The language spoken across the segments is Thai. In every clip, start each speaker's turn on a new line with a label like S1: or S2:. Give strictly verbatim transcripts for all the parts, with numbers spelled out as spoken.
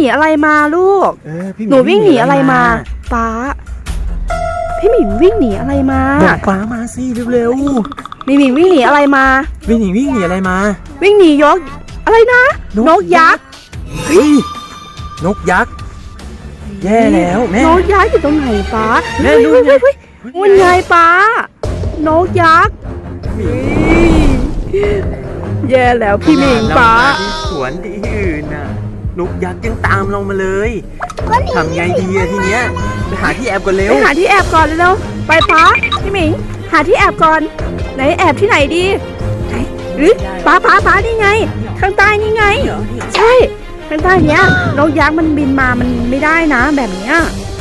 S1: อะไรมาลูกหนูวิ่งหนีอะไรมาป้าพี่หมิงวิ่งหนีอะไรมา
S2: บอกป้ามาสิเร็ว
S1: ๆพี่หมิงวิ่งหนีอะไรมา
S2: วิ่งหนีวิ่งหนีอะไรมา
S1: วิ่งหนียกอะไรนะนกยักษ์
S2: เฮ้ยนกยักษ์แย่แล้วแม่
S1: นกยักษ์อยู่ตรงไหนป้า
S2: แม่ดู
S1: ไงมันไงป้านกยักษ์แย่แล้วพี่หมิงป้า
S2: ที่สวนที่อื่นน่ะนกยักษ์ยังตามเรามาเลยทำไงดีอะทีเนี้ยไปหาที่แอบก่อนเร็ว
S1: ไปหาที่แอบก่อนเร็วไปป้าพี่หมิงหาที่แอบก่อนไหนแอบที่ไหนดีไหนหรือป้าป้าป้านี่ไงข้างใต้นี่ไงใช่ข้างใต้เนี้ยนกยักษ์มันบินมามันไม่ได้นะแบบเนี้ย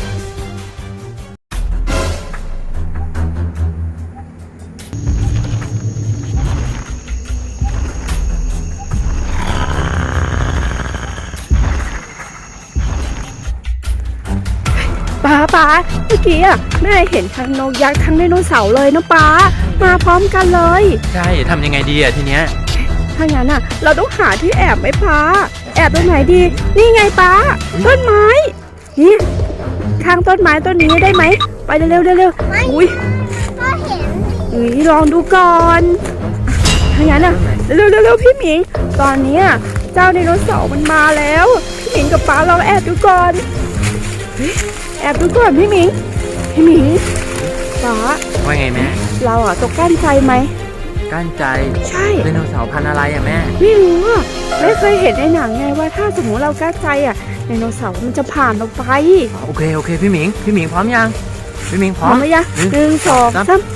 S1: ป้าป้าเมื่อกี้อ่ะแม่เห็นทั้งนกยักษ์ทั้งไดโนเสาร์เลยนะป้ามาพร้อมกันเลย
S2: ใช่ทำยังไงดีอ่ะทีเนี้ย
S1: ถ้างั้นอ่ะเราต้องหาที่แอบไหมป้าแอบตรงไหนดีนี่ไงป้าต้นไม้นี่ข้างต้นไม้ต้นนี้ได้ไหมไปเร็วเร็วเร็วอุ้ยก็เห็นอุ้ยลองดูก่อนถ้างั้นอ่ะเร็วเร็วเร็วพี่หมิงตอนนี้เจ้าไดโนเสาร์มันมาแล้วพี่หมิงกับป้าเราแอบดูก่อนแอบดูก่อนพี่หมิงพี่หมิงป้า
S2: ว่าไงแม่
S1: เราอ่ะตกกั้นใจไหม
S2: กั้นใจ
S1: ใช่
S2: ไดโนเสาร์พันธุ์อะไรอ่ะแม่
S1: ไม่รู้อ่ะไม่เคยเห็นในหนังไงว่าถ้าสมมติเรากั้นใจอ่ะไดโนเสาร์มันจะผ่านเราไป
S2: โอเคโอเคพี่หมิงพี่หมิงพร้อมยังพี่หมิงพร้อม
S1: ไหมยังหนึ่งสองสาม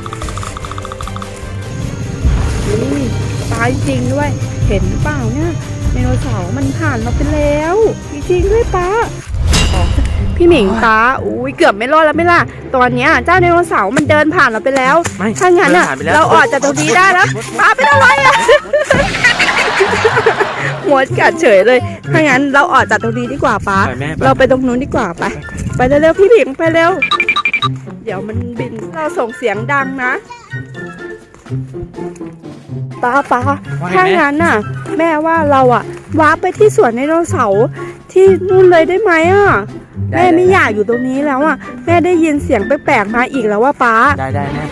S1: ตายจริงด้วยเห็นเปล่าเนี่ยไดโนเสาร์มันผ่านเราไปแล้วจริงๆด้วยป้าพี่หมิงป้าอุ้ยเกือบไม่รอดแล้วไม่ล่ะตอนนี้เจ้าไดโนเสาร์มันเดินผ่านเราไปแล้วถ้างั้นอ่ะเราออกจากตรงนี้ได้แล้วป้าเป็นอะไรอ่ะหัวกัดเฉยเลยถ้างั้นเราออกจากตรงนี้ดีกว่าป้าเราไปตรงนู้นดีกว่าไปไปเร็วๆพี่หมิงไปเร็วเดี๋ยวมันบินเราส่งเสียงดังนะป้าป้าถ้างั้นน่ะแม่ว่าเราอ่ะวาร์ปไปที่สวนไดโนเสาร์ที่นู่นเลยได้ไหมอ่ะแม่ไม่อยากอยู่ตรงนี้แล้วอ่ะแม่ได้ยินเสียงแปลกๆมาอีกแล้วว่าป้า
S2: ได้ได้แม่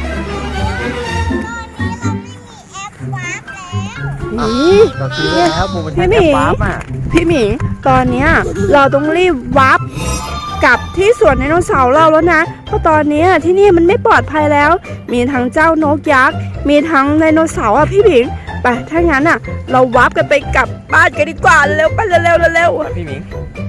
S1: นี่พี่หมิงพี่หมิงตอนเนี้ยเราต้องรีบวาร์ปกลับที่สวนไดโนเสาร์เราแล้วนะเพราะตอนนี้ที่นี่มันไม่ปลอดภัยแล้วมีทั้งเจ้านกยักษ์มีทั้งไดโนเสาร์อ่ะพี่หมิงไปถ้างั้นอ่ะเราวาร์ปกันไปกลับบ้านกันดีกว่าเร็วไปเร็วเร็วเร็ว
S2: พี่หมิง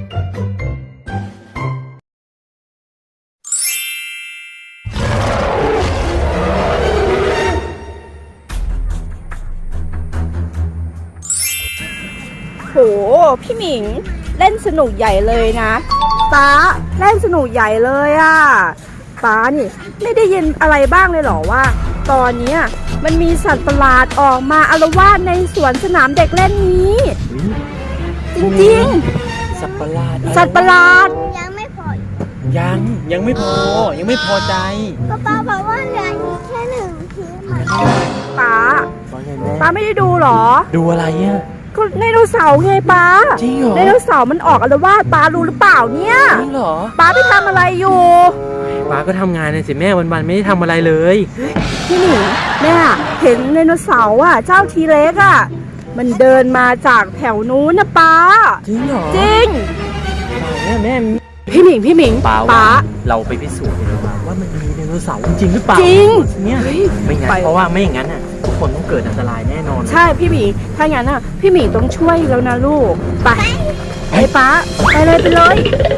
S1: โหพี่หมิงเล่นสนุกใหญ่เลยนะป้าเล่นสนุกใหญ่เลยอ่ะป้านี่ไม่ได้ยินอะไรบ้างเลยเหรอว่าตอนนี้มันมีสัตว์ประหลาดออกมาอาละวาดในสวนสนามเด็กเล่นนี้จริง
S2: ๆสัตว์ประหลาด
S1: สัตว์ประหลาด
S3: ยังไม่พอ
S2: ยังยังไม่พอยังไม่พอใจ
S3: ป้าป้าบอกว่าเหลืออีกแค่หนึ่งที
S1: ป้าป้าไม่ได้ดูหรอ
S2: ดูอะไรอ่ะ
S1: ก็ไดโนเสาร์ไงป้า
S2: จริงเหรอ
S1: ไดโนเสาร์มันออกอาละวาดป้ารู้หรือเปล่าเนี่ย
S2: จริงเหรอ
S1: ป้าไปทำอะไรอยู่
S2: ป้าก็ทำงานนะสิแม่วันๆไม่ได้ทำอะไรเลย
S1: พี่หนิงแม่เห็นไดโนเสาร์อ่ะเจ้าทีเล็กอ่ะมันเดินมาจากแถวนู้นนะป้า
S2: จริงเหรอ
S1: จริง
S2: แม่แม่
S1: พี่หมิงพี่หมิง
S2: ป้าป้าเราไปพิสูจน์เลยว่าว่ามันมีไดโนเสาร์จริงหรือเปล่า
S1: จริง
S2: เนี่ยไม่งั้นเพราะว่าไม่อย่างนั้นอ่ะทุกคนต้องเกิดอันตรายแน่นอน
S1: ใช่พี่หมิงถ้างั้นอ่ะพี่หมิงต้องช่วยแล้วนะลูกไปไปป้าไปเลยไปเลย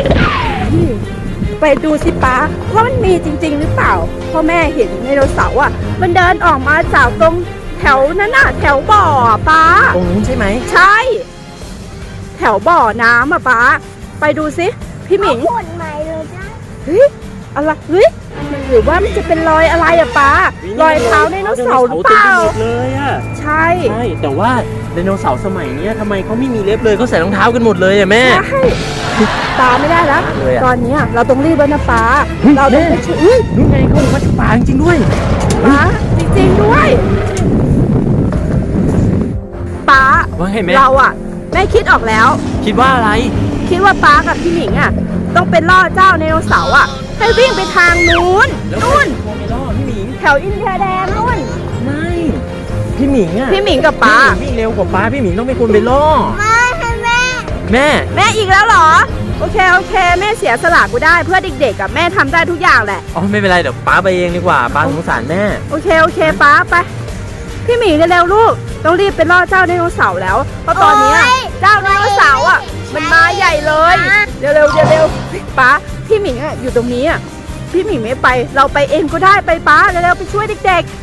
S1: ไปดูสิป้าว่ามันมีจริงๆหรือเปล่าพ่อแม่เห็นไดโนเสาร์อ่ะมันเดินออกมาจากตรงแถวนั้นน่ะแถวบ่อป้า
S2: ตรงนู้นใช่ไหม
S1: ใช่แถวบ่อน้ำอ่ะป้าไปดูสิพี่หมิง
S3: ขนใหม่เลยจ้ะ
S1: เฮ้ยอะไรเฮ้ยหรือว่ามันจะเป็นรอยอะไรอะป้ารอยเท้าไดโนเสาร์หรือเปล่า
S2: เลยอะ
S1: ใช่
S2: ใช่แต่ว่าไดโนเสาร์สมัยนี้ทำไมเขาไม่มีเล็บเลยเขาใส่รองเท้ากันหมดเลยอะแม่
S1: ใช่ป้าไม่ได้แล้วตอนนี้เราต้องรีบแล้วนะป้าเราต้องไปช่วย
S2: นู่นไงเขามาจากป่าจริงด้วย
S1: ป้าจริงๆด้วยป้าเราอะแม่คิดออกแล้ว
S2: คิดว่าอะไร
S1: คิดว่าป้ากับพี่หมิงอ่ะต้องเป็นล่อเจ้าไดโนเสาร์อ่ะให้วิ่งไปทางนู้น
S2: แล้ว
S1: นู่น
S2: ใครไปล่อพี่หมิง
S1: แถวอินเดียแดงนู่น
S2: ไม่พี่หมิงอ่ะ
S1: พี่หมิงกับป้า
S2: พี่หมิงวิ่งเร็วกว่าป้าพี่หมิงต้องเป็นคนไปล่อ
S3: มาให้แม่
S2: แม่
S1: แม่อีกแล้วเหรอโอเคโอเคแม่เสียสละกูได้เพื่อเด็กๆกับแม่ทำได้ทุกอย่างแหละ
S2: อ๋อไม่เป็นไรเดี๋ยวป้าไปเองดีกว่าป้าสงสารแม่
S1: โอเคโอเคป้าไปพี่หมิงเร็วๆลูกต้องรีบไปล่อเจ้าไดโนเสาร์แล้วเพราะตอนเนี้ยเจ้าไดโนเสาร์อ่ะมันมาใหญ่เลยเร็วๆเร็วๆป้าพี่หมิงอ่ะอยู่ตรงนี้อ่ะพี่หมิงไม่ไปเราไปเองก็ได้ไปป้าเร็วๆไปช่วยเด็ก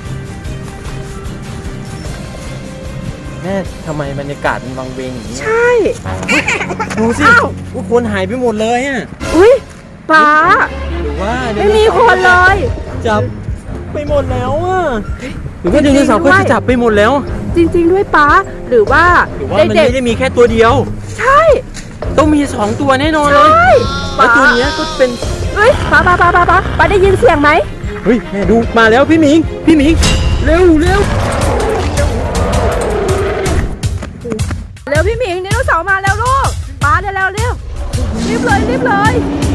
S2: แม่ทำไมบรรยากาศมันวังเวงอย่างนี้
S1: ๆ ใช่
S2: ดูสิ
S1: อ้าว
S2: ผู้คนหายไปหมดเลยอ่ะ
S1: อุ้ยป้า
S2: หรือว่า
S1: ไม่มีคนเลย
S2: จับไปหมดแล้วอ่ะหรือว่า
S1: จ
S2: ได
S1: ริงๆ
S2: โนเสาร์ก็
S1: ด้วย
S2: จะจับไปหมดแล้ว
S1: จริงๆด้วยป้าหรือว่า
S2: หรือว่ามัน
S1: เด็ก
S2: ไม่ได้มีแค่ตัวเดียว
S1: ๆใช่
S2: ต้องมีสองตัวแน่นอน
S1: ใช
S2: เลย่
S1: ป้า
S2: แล้วตัวเนี้ยก็เป็น
S1: เฮ้ยป้าป้าป้าป้าป้าป้าได้ยินเสียงไหม
S2: เฮ้ยแม่ดูมาแล้วพี่หมิงพี่หมิงเร็วเร็ว
S1: เร็วพี่หมิงไดโนเสาร์มาแล้วลูกป้าเร็วเร็วเร็วรีบเลยรีบเลย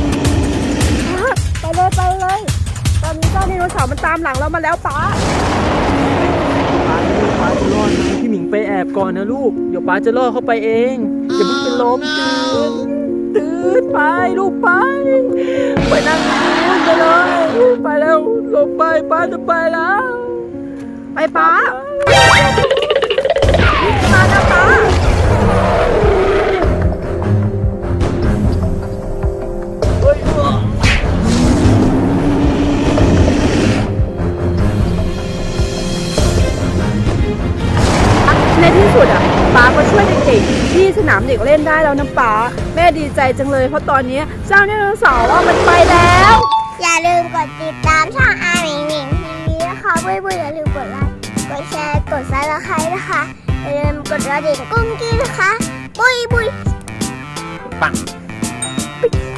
S1: ป้าไปเลยไปเลยตอนนี้เจ้าไดโนเสาร์มันตามหลังเรามาแล้วป้า
S2: ป้าป้าจะรอดไหมพี่หมิงไปแอบก่อนนะลูกเดี๋ยวป้าจะล่อเข้าไปเองอย่าเพิ่งเป็นลมตื่นตื่นไปลูกไปไปนั่งนู่นไปเลยไปแล้วลงไปป้าจะไปแล้ว
S1: ไปป้ามาแล้วป้าในที่สุดอ่ะป้าก็ช่วยเด็กๆที่สนามเด็กเล่นได้แล้วนะป้าแม่ดีใจจังเลยเพราะตอนนี้เจ้าไดโนเสาร์อ่ะมันไปแล้ว
S3: อย่าลืมกดติดตามช่องอาหมิงหมิงทีวีนะคะเพื่อนๆอย่าลืมกดไลค์กดแชร์กดซับสไครต์นะคะอย่าลืมกดกระดิ่งกุ้งกิ้งนะคะบุยบุย
S2: ปัง
S1: ปิ๊ก